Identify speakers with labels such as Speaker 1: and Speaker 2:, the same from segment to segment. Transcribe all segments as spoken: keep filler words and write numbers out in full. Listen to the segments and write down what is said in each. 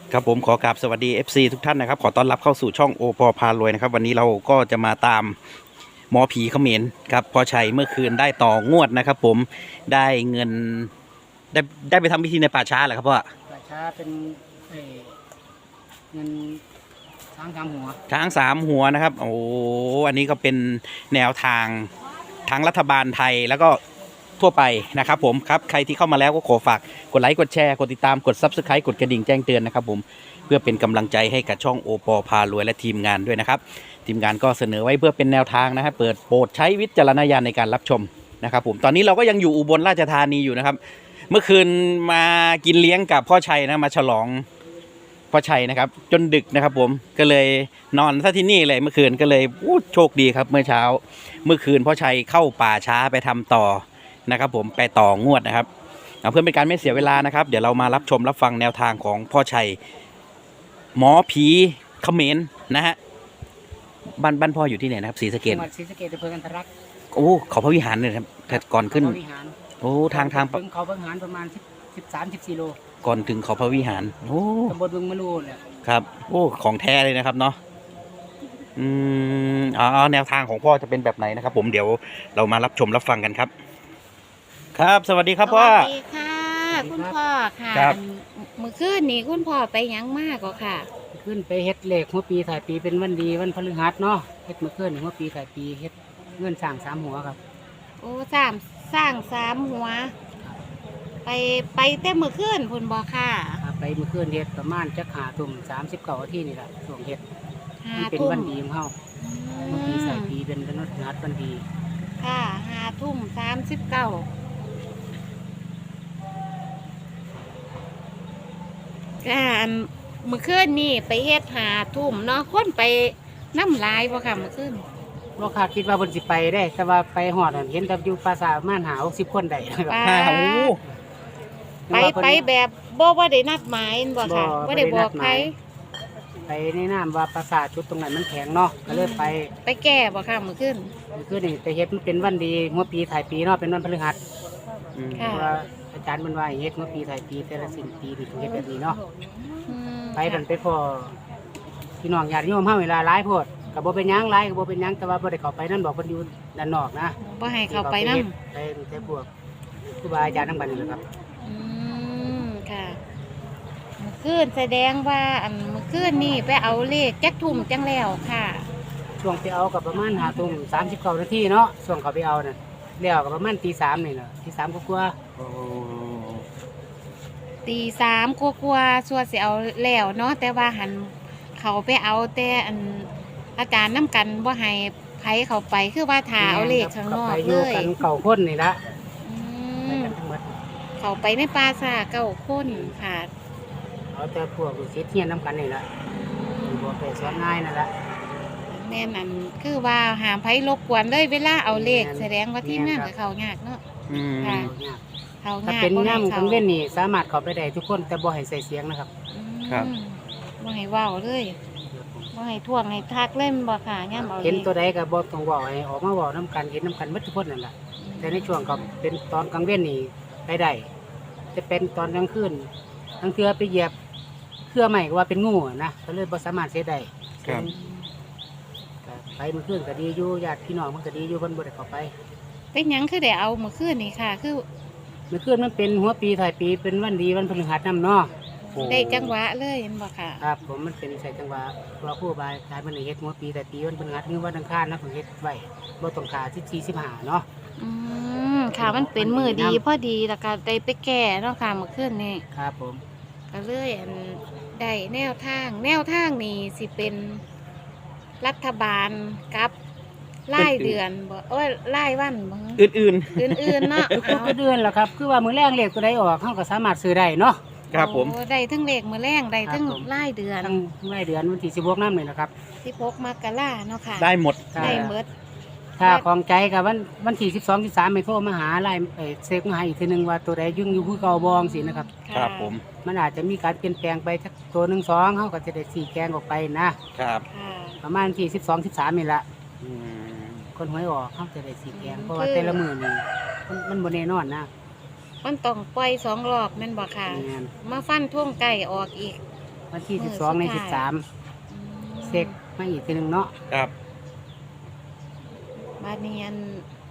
Speaker 1: ครับผมขอกราบสวัสดี เอฟ ซี ทุกท่านนะครับขอต้อนรับเข้าสู่ช่องโอปอพารวยนะครับวันนี้เราก็จะมาตามหมอผีเขมรครับพ่อชัยเมื่อคืนได้ต่องวดนะครับผมได้เงินได้ได้ไปทำพิธีในป่าช้าเหรอครับพ่อ
Speaker 2: ป่าช้าเป็นเอ่อเงินช้างสามหัว
Speaker 1: ช้างสามหัวนะครับโอ้อันนี้ก็เป็นแนวทางทั้งรัฐบาลไทยแล้วก็ทั่วไปนะครับผมครับใครที่เข้ามาแล้วก็ขอฝากกดไลค์กดแชร์กดติดตามกด ซับสไครบ์ กดกระดิ่งแจ้งเตือนนะครับผมเพื่อเป็นกำลังใจให้กับช่องโอปอพารวยและทีมงานด้วยนะครับทีมงานก็เสนอไว้เพื่อเป็นแนวทางนะครับเปิดโปรดใช้วิจารณญาณในการรับชมนะครับผมตอนนี้เราก็ยังอยู่อุบลราชธานีอยู่นะครับเมื่อคืนมากินเลี้ยงกับพ่อชัยนะมาฉลองพ่อชัยนะครับจนดึกนะครับผมก็เลยนอนซะที่นี่เลยเมื่อคืนก็เลยโชคดีครับเมื่อเช้าเมื่อคืนพ่อชัยเข้าป่าช้าไปทำต่อนะครับผมไปต่องวดนะครับเพื่อเป็นการไม่เสียเวลานะครับเดี๋ยวเรามารับชมรับฟังแนวทางของพ่อชัยหมอผีเขมรนะฮะบ้านบ้านพ่ออยู่ที่ไหนนะครับศรีสะเกษ
Speaker 2: จังหวัดศรีสะเกษอำเภอกันทรลักษณ์
Speaker 1: โอ้เขาพระวิหารเลยครับแต่ก่อนขึ้น
Speaker 2: เขาวิหาร
Speaker 1: โอ้ทางทาง
Speaker 2: ถึงเขาพระวิหารประมาณสิบสิบสามสิบสี่โล
Speaker 1: ก่อนถึงเขาพระวิหารโอ้
Speaker 2: ตำบลบึงมะลูเนี่ย
Speaker 1: ครับโอ้ของแท้เลยนะครับเนาะอืมอ๋อแนวทางของพ่อจะเป็นแบบไหนนะครับผมเดี๋ยวเรามารับชมรับฟังกันครับครับสวัสดีครับพ่อ
Speaker 3: สวัสดีค่ะคุณพ่อค่ะ
Speaker 1: ครับ
Speaker 3: เมื่อคืนนี้คุณพ่อไปยังมากก็ค่ะ
Speaker 2: ขึ้นไปเฮ็ดเลขหัวปีถ่ายปีเป็นวันดีวันพฤหัสเนาะเฮ็ดเมื่อคืนหัวปีถ่ายปีเฮ็ดเงินสั่งสามหัวครับ
Speaker 3: โอ้สามสร้างสามหัวไปไปแต่เมื่อคืนคุณบอกค่ะ
Speaker 2: ไปเมื่อคืนเฮ็ดประมาณจักหาตุ่มสามสิบเก้าที่นี่แหละช่วงเฮ็ดมันเป็นวันดีของเฮาหัวปีถ่ายปีเป็นวันพฤหัสวันดี
Speaker 3: ค่ะห้าทุ่มสามสิบเก้าค่ะเมื่อคืนนี่ไปเฮ็ดหาทุ่มเนาะคนไปน้ำลายบ่ค่ะเมื่อคืน
Speaker 2: บ่คาดคิดว่าเพิ่นสิไปได้แต่ว่าไปฮอดเห็นแต่อยู่ปราสาทม่านหาหกสิบคนได้
Speaker 3: ไปไปแบบบ่ว่าได้นัดหมายบ่ค่ะบ่ได้บอกใคร
Speaker 2: ไปในน้ำว่าปราสาทจุดตรงไหนมันแข็งเนาะก็เลยไป
Speaker 3: ไปแก้บ่ค่ะเมื่อคืน
Speaker 2: เมื่อคืนนี่แต่เฮ็ดมันเป็นวันดีหัวปีถ่ายปีเนาะเป็นวันพฤหัสเพราะว่าอาจารย์มันว่าเฮ็ดหัวปีถ่ายปีแต่ละสิ้นปีนี่ต้องเฮ็ดแบบนี้เนาะไปกันไปพอพี่น้องญาติโยมเฮาเวลาหลายโพดก็บ่เป็นหยังหลายก็บ่เป็นหยังแต่ว่าบ่ได้เข้าไปนั่นบอกเพิ่นอยู่ด้านนอกนะ
Speaker 3: บ่ให้เข้าไปนำ
Speaker 2: ไปแต่พวกครูบาอาจารย์นำบัดนี่แหละครับ
Speaker 3: อืมค่ะเมื่อคืนแสดงว่าอันเมื่อคืนนี่ไปเอาเลขจักทุ่มจังแล้วค่ะ
Speaker 2: ช่วงไปเอากับประมาณห้าทุ่มสามสิบเก้านาทีเนาะช่วงเขาไปเอาน่ะแล้วก็ประมาณตีสามนี่แหละตีสามกว่า
Speaker 3: ตีสามกว่าๆชัวร์สิเอาแล้วเนาะแต่ว่าหันเขาไปเอาแต่อันอาจารย์น้ำกันว่าให้ไผเขาไปคือว่าถาเอาเลขข้างนอกเลย
Speaker 2: กันเก่าพ้นนี่ละ
Speaker 3: เขาไปในปราสาทเก่าพ้นค่ะ
Speaker 2: เอาแต่พวกศิษย์เทียนน้ำกันนี่ละบอกไปสอนง่ายนั่นละ
Speaker 3: แม่นั่นคือว่าหามไผรบกวนเลยเวลาเอาเลขแสดงว่าที่นั่นกับเขายากเนาะค่ะ
Speaker 2: เขาถ้าเป็นง่ามของเล่นนี่สามารถเขาไปได้ทุกคนแต่บ่ให้ใส่เสียงนะครับ
Speaker 3: ครับบ่ให้ว่าวเลยบ่ให้ท่วงให้ทักเล่นบ่ค่ะย่ำเอา
Speaker 2: เห็นตัวใดก็บ่ต้องว่าวให้ออกมาว่าวน้ำกันเห็นน้ำกันมัดทุกคนนั่นแหละแต่ในช่วงก็เป็นตอนกลางเว้นนี่ไปได้จะเป็นตอนกลางคืนทั้งเทือไปเหยียบเครือใหม่ก็ว่าเป็นงูนะก็เลยบ่สามารถเสียได้ไปเมื่อคืนก็ดีอยู่ญาติพี่น้องมันก็ดีอยู่เพิ่นบ่ได้เข้าไป
Speaker 3: เป็นหยังคือได้เอาเมื่อคืนนี่ค่ะคือ
Speaker 2: เมื่อคืนมันเป็นหัวปีถ่ายปีเป็นวันดีวันพฤหัสนำเนาะ
Speaker 3: ได้จังหวะเลยเห็นบ่ค่ะ
Speaker 2: ครับผมมันเป็นใส่จังหวะตัวผู้บายกายมันเฮ็ดหัวปีถ่ายปีวันพฤหัสคือวันอังคารนะผมเฮ็ดไว้บ่ต้องขาสิบสี่ สิบห้าเนาะ
Speaker 3: อืมค่ะมันเป็นมื้อดีพอดีแล้วก็ได้ไปแก้เนาะค่ะเมื่อคืนนี่
Speaker 2: ครับผม
Speaker 3: ก็เลยอันได้แนวทางแนวทางนี่สิเป็นรัฐบาลกับรายเดือนบ่โอ้ยรายวันบ่
Speaker 1: อื่น
Speaker 3: ๆอื่นๆเนาะ
Speaker 2: ทุกเดือนแหละครับคือว่ามื้อแรกเลขตัวใดออกเฮาก็สามารถซื้อได้เนาะ
Speaker 1: ครับผม
Speaker 3: ได้ทั้งเลขมื้อแรงได้ทั้งรายเดือน
Speaker 2: ทั้งรายเดือนวันที่สิบหกนำนี่แหละครับ
Speaker 3: สิบหกมกราเนาะค่ะ
Speaker 1: ได้หมด
Speaker 3: ได้หมด
Speaker 2: ถ้าของใจกับวันวันที่สิบสอง สิบสามให้โทรมาหาไลน์เอ่อเช็คมาให้อีกทีนึงว่าตัวใดยุ่งอยู่คือเก่าบ่จังซี่นะครับ
Speaker 1: ครับผม
Speaker 2: มันอาจจะมีการเปลี่ยนแปลงไปสักตัวหนึ่งสองเขาก็จะได้สี่แกงออกไปนะครับประมาณที่สิบสองสิบสามนี่ละคนหวยออกเขาจะได้สี่แกงเพราะว่าแต่ละมือนี่มันบนแน่นอนนะ
Speaker 3: มันต้องปล่อยสองรอบแม่นบ่ค่ะมาฟันท่วงไก่ออกอีก
Speaker 2: วันที่สิบสองในสิบสามเซ็กมาอีกทีหนึงเนาะ
Speaker 1: ครับ
Speaker 3: บาดนี้อัน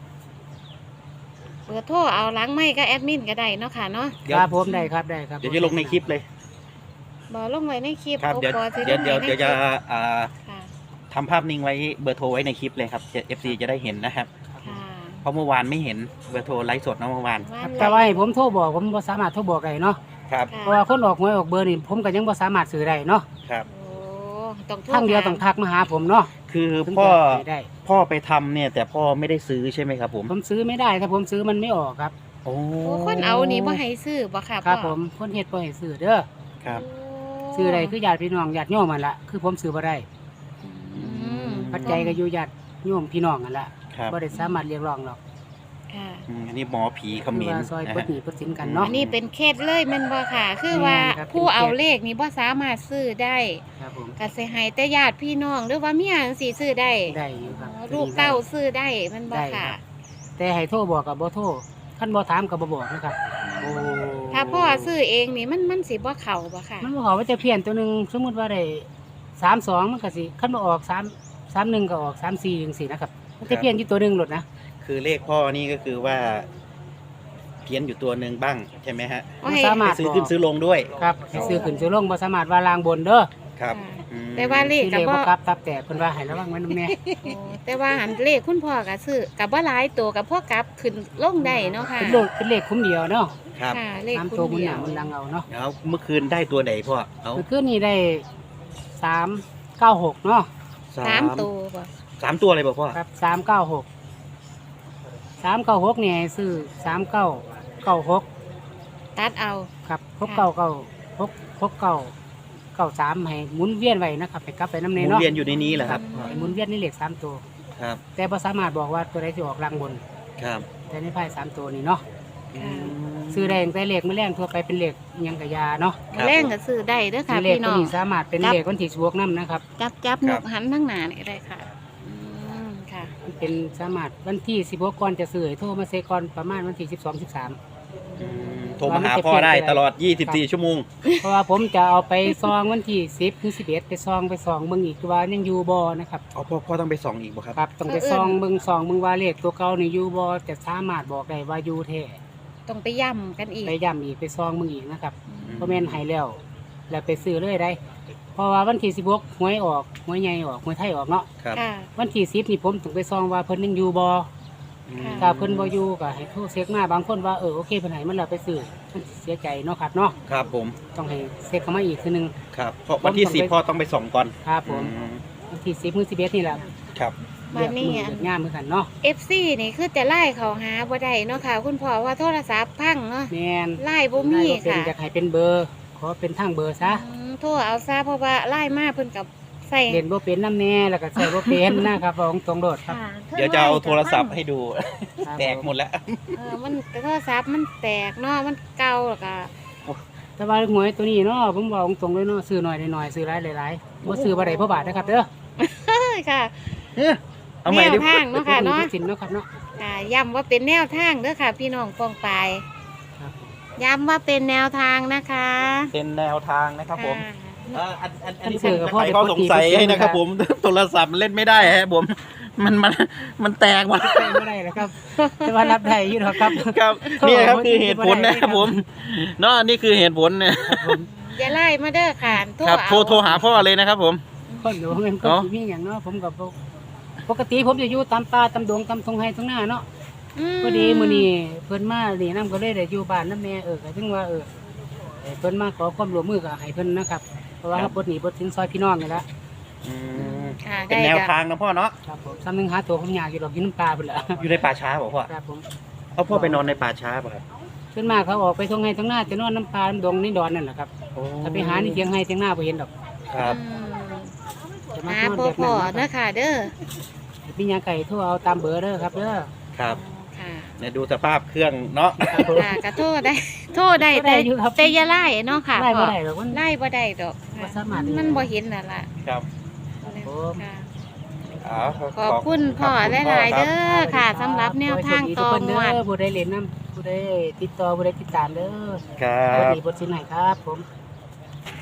Speaker 3: เบอร์โทรเอาหล้างไม่ก็แอดมินก็ได้เนาะค่ะเนาะ
Speaker 1: เดี๋ยว
Speaker 2: ครับผมได้ครับได้ครับ
Speaker 1: เดี๋ยวจะลงในคลิปเลย
Speaker 3: บอกลงไว้ในคลิป
Speaker 1: ครับ
Speaker 3: โอ
Speaker 1: เดี๋ยว
Speaker 3: ปอสิ
Speaker 1: เดี๋ยว
Speaker 3: ลง
Speaker 1: เดี๋ยว
Speaker 3: ไใน
Speaker 1: เดี๋ยวจะ
Speaker 3: คลิป
Speaker 1: อ่า
Speaker 3: ค่ะ
Speaker 1: ทำภาพนิ่งไว้เบอร์โทรไว้ในคลิปเลยครับเอฟซีจะได้เห็นนะครับ
Speaker 3: ค่ะ
Speaker 1: เพราะเมื่อวานไม่เห็นเบอร์โทรไลฟ์สดนะเมื่อวาน
Speaker 3: ว่าน
Speaker 2: แต่ว่าให้ผมโทรบอกผมบ่สามารถโทรบอกได้เนาะ
Speaker 1: ครับ
Speaker 3: ค่ะ
Speaker 2: เพราะว่าคนออกหวยออกเบอร์นี่ผมก็ยังบ่สามารถซื้อได้เนาะ
Speaker 1: ครับ
Speaker 3: โอ้ต้องโทร
Speaker 2: ทางเดียวต้องทักมาหาผมเนาะ
Speaker 1: คือ
Speaker 2: ถึง
Speaker 1: พ่อ
Speaker 2: จะซื้ได้
Speaker 1: พ่อไปทำเนี่ย แต่พ่อไม่ได้ซื้อใช่ไหมครับผม
Speaker 2: ผมซื้อไม่ได้ถ้าผมซื้อมันไม่ออกครับ
Speaker 1: โอ้
Speaker 3: โอ้คนเอานี่บ่ให้ซื้อบ่ค่ะ
Speaker 2: ครับ
Speaker 3: พ่อ
Speaker 2: ผมคนเฮ็ดบ่ให้ซื้อเด้อ
Speaker 1: ครับ
Speaker 3: โ
Speaker 2: ซื้อได้คือญาติพี่น้องญาติโยมมันละคือผมซื้อบ่ได้
Speaker 3: อืม
Speaker 2: ปัจจัยก็อยู่ญาติโยมพี่น้องกันละ
Speaker 1: ครับ
Speaker 2: บ่ได้สามารถเรียกร้องหรอก
Speaker 3: ค่ะ
Speaker 1: อืมอันนี้หมอผีเข
Speaker 2: คือ
Speaker 1: มิ้น
Speaker 2: ว่าซอย
Speaker 1: นะ
Speaker 2: ปลด
Speaker 1: ฮะ
Speaker 2: หนี้ปลดสินกันเนาะ
Speaker 3: อันนี้เป็นเคสเลยแม่นบ่ค่ะ คือว่า
Speaker 2: แม่นครับ
Speaker 3: ผู้
Speaker 2: เป็นเคส
Speaker 3: เอาเลขนี่บ่สามารถซื้อได้
Speaker 2: ครับผม
Speaker 3: ก็สิให้แต่ญาติพี่น้องหรือว่าเมียจังซี่ซื้อได้
Speaker 2: ได้อยู่ครับ
Speaker 3: อ๋อลูกเต้าซื้อได้แมันบ่
Speaker 2: ได้
Speaker 3: ค่ะ
Speaker 2: ครับ แต่ให้โทรบอกกับบ่โทรคันบ่ถามก็บ่บอกนะครับ
Speaker 1: โอ้
Speaker 3: ถ้าพ่อซื้อเองนี่มันมันสิบ่เข้าบ่ค่ะ
Speaker 2: มันบ่ขอว่าจะเพี้ยนตัวหนึงสมมุติว่าได้สามสองมันก็สิคันบ่ออกสาม สามหนึ่งก็ออกสามสี่จังซี่นะครับมันจะเพี้ยนอยู่ตัวหนึงโลดนะ
Speaker 1: คือเลขพ่อนี่ก็คือว่าเพี้ยนอยู่ตัวหนึ่งบ้างใช่ไหมฮะ
Speaker 3: โอ้
Speaker 2: บ่
Speaker 3: ย
Speaker 2: สามารถ
Speaker 1: ซื้อขึ้นซื้อลงด้วย
Speaker 2: ครับให้ซื้อขึ้นซื้อลงบ่สามารถว่าลางบนเด้อ
Speaker 1: ครับ
Speaker 3: ค่ะ
Speaker 1: อืม
Speaker 3: แต่ว่าเลข
Speaker 2: ที่
Speaker 3: ก็
Speaker 2: เลข
Speaker 3: บ่
Speaker 2: บ่กลับตับแตกเพิ่นว่าให้ระวังไว้นำแน่
Speaker 3: โอ้แต่ว่าหันเลขคุณพ่อก็ซื้อก็บ่หลายตัวกับพ่อกลับขึ้นลงได้เนาะค่ะ
Speaker 2: เป็นเลขเป็นเลขคุ้มเดียวเนาะ
Speaker 1: ครับ
Speaker 3: ค่ะเลข
Speaker 2: สาม
Speaker 3: คุ
Speaker 2: ตัว
Speaker 3: ณ
Speaker 2: มุนห
Speaker 3: เดีย
Speaker 2: นาว มันลังเอาเนาะ
Speaker 1: แล้วเมื่อคืนได้ตัวไหนพ่อเอา
Speaker 2: เมื่อคืนนี้ได้สามเก้าหกเนาะ
Speaker 3: สามตัวบ่
Speaker 1: สามตัวอะไรบอกพ่อ
Speaker 2: ครับสามเก้าหกสามเก้าหกเนี่ยให้ซื้อสามเก้าเก้าหก
Speaker 3: ตัดเอา
Speaker 2: ครับหกเก้าเก้าหกหกเก้าเก้าสามให้หมุนเวียนไว้นะครับไปกลับไปน้ำ
Speaker 1: ห
Speaker 2: เน
Speaker 1: มุน
Speaker 2: เนาะ
Speaker 1: เวียนอยู่ในนี้เหรอครับ
Speaker 2: ให้หมุนเวียนนี่เลขสามตัว
Speaker 1: ครับ
Speaker 2: แต่พอสามารถบอกว่าตัวใดที่ออกรางบน
Speaker 1: ครับ
Speaker 2: แต่ในไพ่สามตัวนี้เนาะ
Speaker 3: ค่ะ
Speaker 2: ซื้อได้ตั้งแต่เลขไม่แรงทั่วไปเป็นเลขอิหยังกะยาเนาะ
Speaker 1: ครับ
Speaker 3: แรงก็ซื้อได้เด้อค่ะ
Speaker 2: ซื้อเลข
Speaker 3: พี่
Speaker 2: ตัว
Speaker 3: น้อง
Speaker 2: นี้สามารถเป็นเลขวันที่สิบวกน้ำนะครับ
Speaker 3: จับจับ
Speaker 1: คน รับ
Speaker 3: กหันทั้งหน้านี่ก็ได้ค่ะอืมค่ะ
Speaker 2: มันเป็นสามารถวันที่สิบวกก่อนจะซื้อให้โทรมาเซก่อนประมาณวันที่สิบสองสิบสาม
Speaker 1: อืมโทรมาหาพ่อได้ตลอดยี่สิบสี่ชั่วโมง
Speaker 2: เพราะว่าผมจะเอาไปซองวันที่สิบถึงสิบเอ็ดไปซองไปซองเบิ่งอีกว่ายังอยู่บ่นะครับ
Speaker 1: อ๋อพ่อพ่อต้องไปส่องอีกบ่ครับ
Speaker 2: ครับต้องไปซองเบิ่งซองเบิ่งว่าเลขตัวเก่านี่อยู่บ่จะสามารถบอกได้ว่าอยู่แท้
Speaker 3: ต้องไปย่ำกันอีก
Speaker 2: ไปย้ำอีกไปซองเบิ่งอีกนะครับ
Speaker 1: อืม
Speaker 2: บ่แม่นให้แล้ว แล้วไปซื้อเลยได้ เพราะว่าวันที่สิบหกหวยออกหวยใหญ่ออกหวยไทยออกเนาะ
Speaker 1: ครับ
Speaker 3: ค่ะ
Speaker 2: วันที่สิบนี่ผมต้องไปซองว่าเพิ่นยังอยู่บ่
Speaker 1: อืม
Speaker 3: ค่ะ
Speaker 2: ถ้าเพิ่นบ่อยู่ก็ให้โทรเช็คมาบางคนว่าเออโอเคเพิ่นให้มันแล้วไปซื้อมันเสียใจเนาะครับเนาะ
Speaker 1: ครับผม
Speaker 2: ต้องให้เช็คเข้ามาอีกทีนึง
Speaker 1: ครับเพราะวันที่สิบพ่อต้องไปส่องก่อน
Speaker 2: ครับผม
Speaker 1: อืม
Speaker 2: วันที่สิบมื้อสิบเอ็ดนี่แหละ
Speaker 1: ครับ
Speaker 3: บัดนี้
Speaker 2: เลือกมื้อเลือกงามเหมือนกันเนาะ
Speaker 3: เอฟซีนี่คือแต่ไล่เขาหาบ่ได้เนาะค่ะ คุณพ่อว่าโทรศัพท์พังเนาะ
Speaker 2: แม่น
Speaker 3: ไล่บ่มี
Speaker 2: ได้บ่เป็น
Speaker 3: ค่ะ
Speaker 2: อยากให้เป็นเบอร์ ขอเป็นทางเบอร์ซะ
Speaker 3: อืมโทรเอาซะเพราะว่าไล่มาเพิ่นกับใส่
Speaker 2: เล่นบ่เป็นน้ำแน่แล้วก็ใส่บ่เป็นนะครับบอกตรงๆโดดครับ
Speaker 3: ค่ะ
Speaker 1: เดี๋ยวจะเอาโทรศัพท์ให้ดู
Speaker 2: ครับ
Speaker 1: แตกหมดแล้ว
Speaker 3: เออมันโทรศัพท์มันแตกเนาะมันเก่าแล้วก็
Speaker 2: แต่ว่าหวยตัวนี้เนาะผมบอกตรงๆเลยเนาะซื้อหน่อยได้หน่อยซื้อหลายหลายๆบ่ซื้อบ่ได้เพราะบาทนะครับเด้อ
Speaker 3: เอ้ยค่ะ
Speaker 1: เอ้ยเอาใหม่
Speaker 3: แน
Speaker 1: ดิ
Speaker 3: วทางเนาะค่ะเนาะ
Speaker 2: สินเนาะครับเนาะ
Speaker 3: ค่ะย้ำว่าเป็นแนวทางเด้อค่ะ พี่น้องปองปาย
Speaker 2: ครับ
Speaker 3: ย้ำว่าเป็นแนวทางนะคะ
Speaker 1: เป็นแนวทางนะครับผม
Speaker 3: ค่ะ
Speaker 1: เอ่ออันอันอันนี้
Speaker 2: ท่านสื่อกับพ่อ
Speaker 1: ไขข้อสงสัยให้นะครับผม โทรศัพท์มันเล่นไม่ได้ฮะผม มันมันมันแตกหมด
Speaker 2: ใช่ไม่ได้แล้วครับแต่ว่ารับได้อยู่หรอกครับ
Speaker 1: ครับนี่ครับคือเหตุผลนะครับผมเนาะนี่คือเหตุผลเนี่ย
Speaker 2: ครับผม
Speaker 3: อย่าไล่มาเด้อค่ะโทร
Speaker 1: ครับ
Speaker 3: เอา
Speaker 1: โทรโทรหาพ่อเลยนะครับผม
Speaker 2: คนหลวงเงินก็
Speaker 1: เนาะ
Speaker 2: สิมีอย่างเนาะผมกับปกติผมจะอยู่ตามป่าตามดงตามทงไห้ทงหน้าเนาะ
Speaker 3: ม
Speaker 2: พอดีมื้อนี้เพิ่นมานี่นำก็เลยได้อยู่บ้านนำแม่เออก็ถึงว่าเออให้เพิ่นมาขอความร่วมมือก็ให้เพิ่นนะครับเพราะว่า
Speaker 1: ครับ
Speaker 2: บทนี้บทสินซอยพี่น้องนี่แหละ
Speaker 1: อืม
Speaker 3: ค่ะ
Speaker 1: เป็น
Speaker 3: ได้
Speaker 1: แนว
Speaker 3: จ้ะ
Speaker 1: ทางนะพ่อเนาะ
Speaker 2: ครับผมซ้ำหนึงหาตัวผมยากอยู่ดอกอยู่น้ำปลาพุ่นล่ะ
Speaker 1: อยู่ในป่าช้าบอกพ่อ
Speaker 2: ครับผม
Speaker 1: เอาพ่อไปนอนในป่าช้าป่ะครับ
Speaker 2: ส่วนมากเขาออกไปทงไห้ทงหน้าจะนอนน้ำปลาน้ำดงนี่ดอนนั่นแหละครับ
Speaker 1: โอ้
Speaker 2: ถ้าไปหานี่เถียงไห้เถียงหน้าบ่เห็นดอก
Speaker 1: ครับ
Speaker 3: อืม
Speaker 2: จะมา
Speaker 3: หาน
Speaker 2: อน
Speaker 3: บ่
Speaker 2: แบบ
Speaker 3: พ
Speaker 2: นั้
Speaker 3: อน
Speaker 2: นะ
Speaker 3: นะครับ คะเด้อ
Speaker 2: พี่ยาไก่โทรเอาตามเบอร์เด้อครับเด้อ
Speaker 1: ครับ
Speaker 3: ค่ะ
Speaker 1: เนี่ยดูสภาพเครื่องเนาะ
Speaker 2: ครับผม
Speaker 3: ค่ะก็โทษได้ โทษได้
Speaker 2: ก็ได้
Speaker 3: แต่
Speaker 2: อยู่ครับ
Speaker 3: แต่อย่าไล่เนาะค่ะ
Speaker 2: ไล่บ่
Speaker 3: พ่อ
Speaker 2: ได้หรอกมัน
Speaker 3: ไล่บ่ได้ดอก
Speaker 2: บ่สามารถ
Speaker 3: มันบ่เห็นน่ะล่ะ
Speaker 1: ครับ
Speaker 2: ผม
Speaker 3: ค่ะ
Speaker 1: อ๋อ
Speaker 3: ขอบคุณพ่อ
Speaker 1: ขบคุณ
Speaker 3: หลายๆ
Speaker 1: พ่อ
Speaker 3: เด้อค่ะสำหรับแนวทางต่อ
Speaker 2: ข
Speaker 3: ง
Speaker 2: ให้โชคดีทุกคน
Speaker 3: วด
Speaker 2: เด้อผู้ใดเล่นน้ำผู้ใดติดต่อผู้ใดติดตามเด้อ
Speaker 1: ครั
Speaker 2: สวัส
Speaker 1: บ
Speaker 2: ดีบทสินไหนครับผม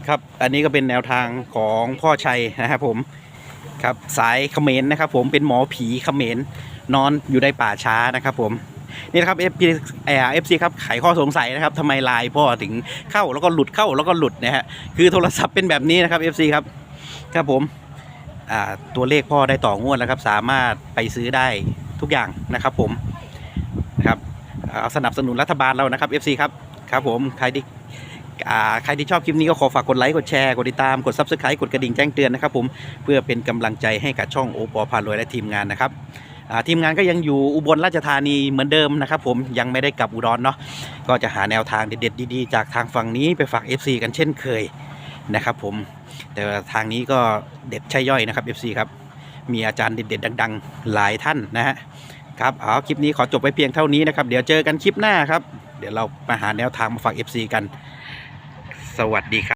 Speaker 1: ครับอันนี้ก็เป็นแนวทางของพ่อชัยนะครับผมครับสายเขมรนะครับผมเป็นหมอผีเขมรนอนอยู่ในป่าช้านะครับผมนี่นะครับเอฟพีเอฟซีครับไขข้อสงสัยนะครับทำไมไลน์พ่อถึงเข้าแล้วก็หลุดเข้าแล้วก็หลุดนะฮะคือโทรศัพท์เป็นแบบนี้นะครับ เอฟ ซี ครับครับผมอ่าตัวเลขพ่อได้ต่องวดแล้วครับสามารถไปซื้อได้ทุกอย่างนะครับผมนะครับเอาสนับสนุนรัฐบาลเรานะครับ เอฟ ซี ครับครับผมใครที่อ่าใครที่ชอบคลิปนี้ก็ขอฝากกดไลค์กดแชร์กดติดตามกด ซับสไครบ์ กดกระดิ่งแจ้งเตือนนะครับผมเพื่อเป็นกำลังใจให้กับช่องโอปอพารวยและทีมงานนะครับทีมงานก็ยังอยู่อุบลราชธานีเหมือนเดิมนะครับผมยังไม่ได้กลับอุดรเนาะก็จะหาแนวทางเด็ดๆดีๆจากทางฝั่งนี้ไปฝาก เอฟ ซี กันเช่นเคยนะครับผมแต่ทางนี้ก็เด็ดใช่ย่อยนะครับ เอฟ ซี ครับมีอาจารย์เด็ดๆดังๆหลายท่านนะฮะครับเอาคลิปนี้ขอจบไปเพียงเท่านี้นะครับเดี๋ยวเจอกันคลิปหน้าครับเดี๋ยวเรามาหาแนวทางมาฝาก เอฟ ซี กันสวัสดีครับ